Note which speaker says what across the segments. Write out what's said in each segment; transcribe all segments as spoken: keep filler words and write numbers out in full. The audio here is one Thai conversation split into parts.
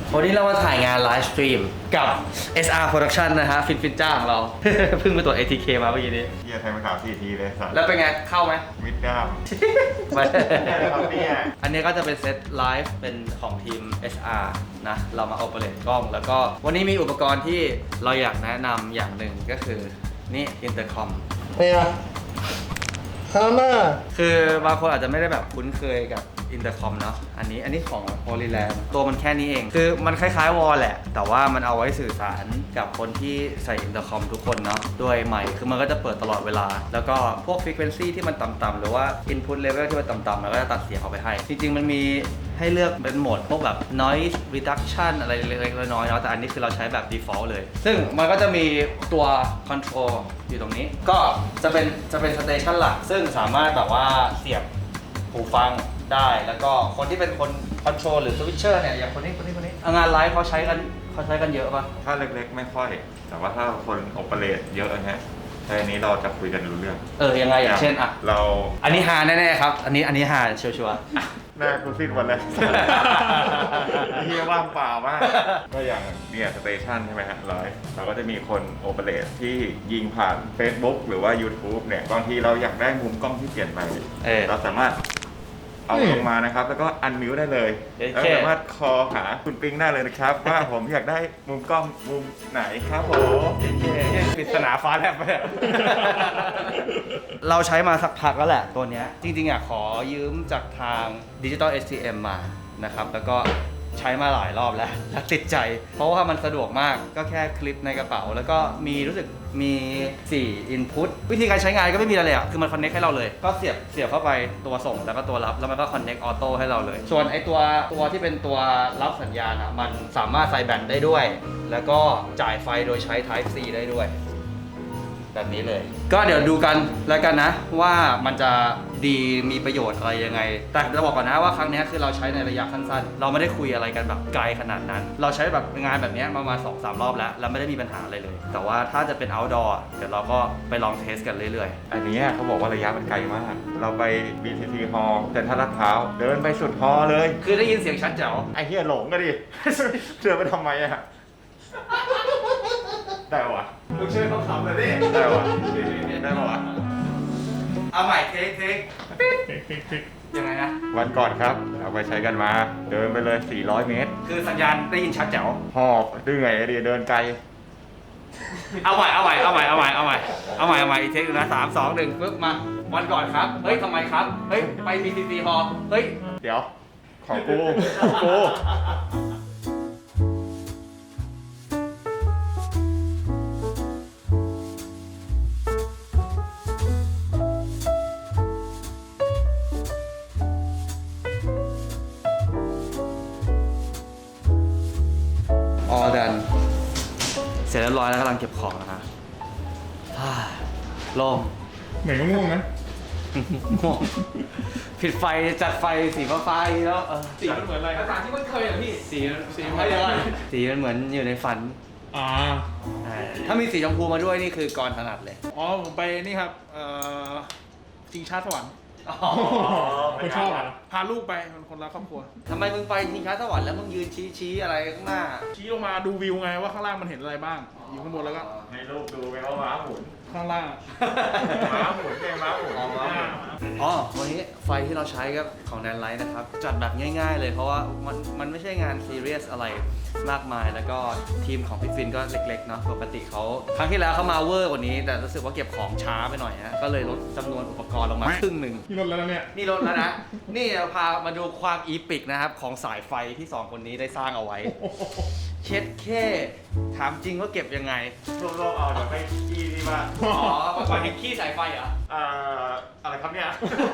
Speaker 1: วันนี้เรามาถ่ายงานไลฟ์สตรีมกับ เอส อาร์ Production นะฮะฟินฟินจ้าของเรา เพิ่งไปตรวจ เอ ที เค มาเมื่อกี้นี้
Speaker 2: เฮียไทยมาถามสี่ทีเลยสัตว์
Speaker 1: แล้วเป็นไงเข้าไหม
Speaker 2: มิดด้าม
Speaker 1: ไม่
Speaker 2: ครับเนี่ย
Speaker 1: อันนี้ก็จะเป็นเซตไลฟ์เป็นของทีม เอส อาร์ นะ เรามาโอเปเรตกล้อง แล้วก็วันนี้มีอุปกรณ์ที่เราอยากแนะนำอย่างหนึ่งก็คือ นี่อินเตอร์คอม
Speaker 3: เนี่ยฮาน่า
Speaker 1: คือบางคนอาจจะไม่ได้แบบคุ้นเคยกับอินเตอร์คอมเนาะ อันนี้อันนี้ของ Polyland ตัวมันแค่นี้เอง คือมันคล้ายๆวอลแหละ แต่ว่ามันเอาไว้สื่อสารกับคนที่ใส่อินเตอร์คอมทุกคนเนาะ ด้วยไมค์คือมันก็จะเปิดตลอดเวลา แล้วก็พวก frequency ที่มันต่ำๆหรือว่า input level ที่มันต่ำๆมันก็จะตัดเสียงออกไปให้ จริงๆมันมีให้เลือกเป็นโหมดพวกแบบ noise reduction อะไรเล็กๆน้อยๆเนาะ แต่อันนี้คือเราใช้แบบ default เลย ซึ่งมันก็จะมีตัว control อยู่ตรงนี้ ก็จะเป็นจะเป็น station หลัก ซึ่งสามารถแบบว่าเสียบหูฟังได้แล้วก็คนที่เป็นคนคอนโทรลหรือสวิตเชอร์เนี่ยอย่างคนนี้คนนี้คนนี้งานไลฟ์เขาใช้กันเขาใช้กันเยอะป่ะ
Speaker 2: ถ้าเล็กๆไม่ค่อย แต่ว่าถ้าคนโอเปเรตเยอะนะฮะแค่นี้เราจะคุยกันรู้เรื่อง
Speaker 1: เออยังไงอย่างเช่นอ่ะ
Speaker 2: เรา
Speaker 1: อันนี้ฮาแน่ๆครับอันนี้อันนี้ฮาชัวร์
Speaker 2: หน้ากูสิ้นวันเลยเฮียว่างเปล่ามาก ก็อย่างเนี่ยสเตชันใช่ไหมฮะไลฟ์เราก็จะมีคนโอเปเรตที่ยิงผ่าน Facebook หรือว่า YouTube เนี่ยบางทีเราอยากได้มุมกล้องที่เปลี่ยนไป
Speaker 1: ๆเออ
Speaker 2: เราสามารถเอาลงมานะครับ แล้วก็อันมิวได้เลย
Speaker 1: โอเค
Speaker 2: แล้วสามารถคอหาคุณปิงได้เลยนะครับ ว่าผมอยากได้มุมกล้องมุมไหนครับผม
Speaker 1: ปริศนาฟ้าแลบไปอะ เราใช้มาสักพักแล้วแหละตัวเนี้ยจริงๆอ่ะขอยืมจากทาง Digital เอส ที เอ็ม มานะครับแล้วก็ใช้มาหลายรอบแล้วและติดใจ เพราะว่ามันสะดวกมากก็แค่คลิปในกระเป๋า แล้วก็มีรู้สึกมีสี่ input วิธีการใช้งานก็ไม่มีอะไรเลยอ่ะคือมัน connect ให้เราเลย ก็เสียบเสียบเข้าไปตัวส่งแล้วก็ตัวรับแล้วมันก็ connect auto ให้เราเลย ส่วนไอตัวตัวที่เป็นตัวรับสัญญาณอ่ะมันสามารถใส่แบตได้ด้วย แล้วก็จ่ายไฟโดยใช้ Type C ได้ด้วย แบบนี้เลย ก็เดี๋ยวดูกันแล้วกันนะว่ามันจะดีมีประโยชน์อะไรยังไง แต่จะบอกก่อนนะว่าครั้งนี้คือเราใช้ในระยะสั้นๆ เราไม่ได้คุยอะไรกันแบบไกลขนาดนั้น เราใช้แบบงานแบบนี้มามาสองสามรอบแล้ว แล้วไม่ได้มีปัญหาอะไรเลย แต่ว่าถ้าจะเป็น outdoor เดี๋ยวเราก็ไปลองเทสกันเรื่อย
Speaker 2: อันนี้เขาบอกว่าระยะมันไกลมาก เราไป บี ที ซี Hall เซ็นทรัลลาดพร้าวเดินไปสุดฮอลล์เลย
Speaker 1: ๆ คือได้ยินเสียงชัดแจ๋ว
Speaker 2: ไอ้เหี้ยหลงก็ดิ เดินไปทำไมอะได้ปะวะ
Speaker 1: มึงช่วยเขาขำเลยดิ
Speaker 2: ได้ปะวะได้ปะวะ
Speaker 1: เอาใหม่เทคเทคยังไงนะ
Speaker 2: วันก่อนครับ เอาไปใช้กันมา เดินไปเลย สี่ร้อย เมตร
Speaker 1: คือสัญญาณได้ยินชัดแจ๋ว
Speaker 2: หอบดื้อไงไอเดียเดินไกล
Speaker 1: เอาใหม่เอาใหม่เอาใหม่เอาใหม่เอาใหม่เอาใหม่เอาใหม่อีกเทคนึงนะสามสองหนึ่งปึ๊บมาวันก่อนครับเฮ้ยทำไมครับเฮ้ยไป บี ที ซี Hall เฮ้ย
Speaker 2: เดี๋ยว ของกูของกู
Speaker 1: ออดันเสร็จเรียบร้อยแล้วกำลังเก็บของนะฮะฮ่าโล่ง
Speaker 3: เหมือนง่วงนะ
Speaker 1: ง่วงผิดไฟจัดไฟสีฟ้าๆอีกแล้วเออ
Speaker 3: สีมันเหมือนอะไรภาษาที่มันเคยอ่ะพี่
Speaker 1: สีมัน
Speaker 3: สีมันอะไร
Speaker 1: สีมันเหมือนอยู่ในฝัน
Speaker 3: อ่า
Speaker 1: อ่าถ้ามีสีชมพูมาด้วยนี่คือกรถนัดเลย
Speaker 3: อ๋อผมไปนี่ครับ เอ่อชิงช้าสวรรค์
Speaker 1: อ๋อ
Speaker 3: คนชอบอ่ะพาลูกไปมันคนรักครอบครัว
Speaker 1: ทำไมมึงไปชิงช้าสวรรค์แล้วมึงยืนชี้ชี้อะไรข้างหน้า
Speaker 3: ชี้ลงมาดูวิวไงว่าข้างล่างมันเห็นอะไรบ้าง อยู่ข้างบนแล้วก็
Speaker 2: ให้ลูกดูไหมว่าม้าหมุน
Speaker 3: ข้างล่าง
Speaker 2: ม้าหมุนไงม้าหมุน
Speaker 1: อ๋อม้าหมุน อ๋อ วันนี้ไฟที่เราใช้ก็ของแนนไลท์นะครับ จัดแบบง่ายๆเลยเพราะว่ามันมันไม่ใช่งานซีเรียสอะไรมากมาย แล้วก็ทีมของพี่ฟินก็เล็กๆเนาะปกติเขาครั้งที่แล้วเขามาเวอร์กว่านี้ แต่รู้สึกว่าเก็บของช้าไปหน่อยฮะก็เลยลดจำนวนอุปกรณ์ลงมาครึ่งหนึ่ง
Speaker 3: ที่รถแล้วนะเนี่ย
Speaker 1: นี่ลดแล้วนะ นี่เราพามาดูความอีปิกนะครับ ของสายไฟที่สองคนนี้ได้สร้างเอาไว้ เช็ดแค่ถามจริงว่าเก็บยังไง
Speaker 2: รวบๆเอาเดี๋ยวไปขี้ที่บ้าน
Speaker 1: อ๋อมาก่อนเห็นขี้สายไฟเหรอ
Speaker 2: อ่าอะไรครับเนี่ย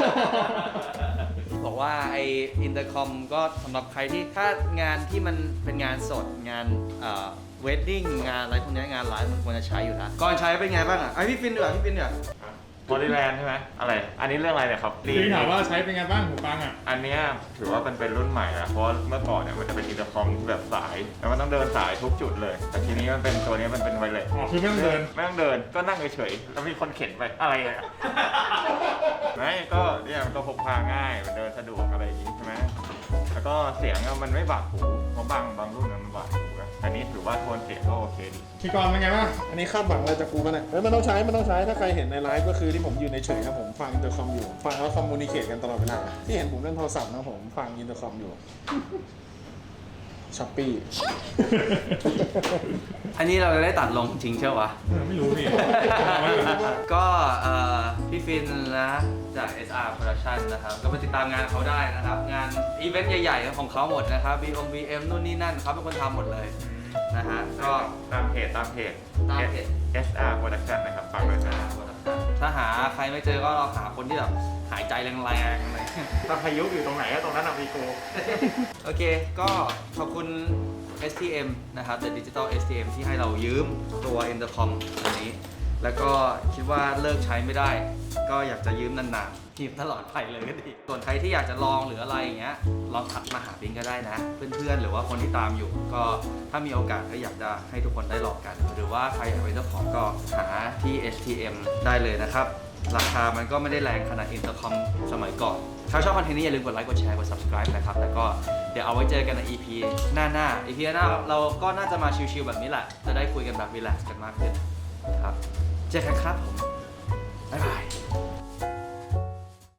Speaker 1: บอกว่าไออินเตอร์คอมก็สำหรับใครที่ถ้างานที่มันเป็นงานสดงานเอ่อเวดดิ้งงานอะไรพวกนี้งานไลฟ์มันควรจะใช้อยู่นะก่อนใช้เป็นไงบ้างอ่ะไอพี่ฟินเดี๋ยวพี่ฟินเดี๋ยว
Speaker 2: บริแลนด์ใช่ไหมอะไร อันนี้เรื่องอะไรเนี่ยครับ
Speaker 3: พี่ถามว่าใช้เป็นไงบ้างหูฟังอ่ะ
Speaker 2: อันเนี้ยถือว่ามันเป็นรุ่นใหม่นะเพราะเมื่อก่อนเนี่ยมันจะเป็นอินเตอร์คอมแบบสาย แล้วมันต้องเดินสายทุกจุดเลย แต่ทีนี้มันเป็นตัวนี้มันเป็นไวเลส
Speaker 3: อ๋อคือไม่ต้องเดิน
Speaker 2: ไม่ต้องเดินก็นั่งเฉยๆแล้วมีคนเข็นไปอะไรอ่ะ ไม่ก็เนี่ยมันก็พกพาง่ายมันเดินสะดวกอะไรอย่างงี้ใช่ไหมแล้วแล้วก็เสียงอะมันไม่บาดหูเพราะบางบางรุ่นมันบาดหูนะอันนี้ถือว่าโทนเสียงก็โอเคดี
Speaker 3: พี่กรณ์เป็นไงบ้างอันนี้คาดหวังอะไรจากกูกันเนี่ยเฮ้ยมันต้องใช้มันต้องใช้ถ้าใครเห็นในไลฟ์ก็คือที่ผมยืนเฉยๆนะผมฟังอินเตอร์คอมอยู่ฟังแล้วคอมมูนิเคตกันตลอดเวลาที่เห็นผมเล่นโทรศัพท์นะผมฟังอินเตอร์คอมอยู่ช้อปปี้
Speaker 1: อันนี้เราจะได้ตัดลงจริงใช่ปะ
Speaker 3: ไม่รู้พี่
Speaker 1: ก็เอ่อพี่ฟินนะจาก เอส อาร์ Production นะครับก็ไปติดตามงานเขาได้นะครับ งานอีเวนต์ใหญ่ๆของเขาหมดนะครับ บี โอ บี เอ็ม นู่นนี่นั่นเขาเป็นคนทำหมดเลยนะฮะก็
Speaker 2: ตามเพจตามเพจ
Speaker 1: ตามเพจ
Speaker 2: เอส อาร์ Production นะครับฝากด้วยนะ
Speaker 1: ถ้าหาใครไม่เจอก็เราหาคนที่แบบหายใจแรงๆเลย
Speaker 2: ถ้าพายุอยู่ตรงไหนก็ตรงนั้นอะมีกู
Speaker 1: โอเค ก็ขอบคุณ เอส ที เอ็ม นะครับ The Digital เอส ที เอ็ม ที่ให้เรายืมตัว Intercom อันนี้ แล้วก็คิดว่าเลิกใช้ไม่ได้ ก็อยากจะยืมนานๆยืมตลอดไปเลยก็ดี ส่วนใครที่อยากจะลองหรืออะไรอย่างเงี้ย ลองทักมาหาบิงก็ได้นะ เพื่อนๆ หรือว่าคนที่ตามอยู่ ก็ถ้ามีโอกาสก็อยากจะให้ทุกคนได้ลองกัน หรือว่าใครอยากเป็นเจ้าของก็หาที่ เอส ที เอ็ม ได้เลยนะครับ ราคามันก็ไม่ได้แรงขนาด Intercom สมัยก่อน ถ้าชอบคอนเทนต์นี้อย่าลืมกดไลค์ กดแชร์ กด subscribe นะครับ แล้วก็เดี๋ยวเอาไว้เจอกันใน อี พี หน้าหน้า อี พี หน้าเราก็น่าจะมาชิลๆแบบนี้แหละ จะได้คุยกันแบบรีแลกซ์กันมากขึ้นครับ เจอกันครับผม บ๊ายบาย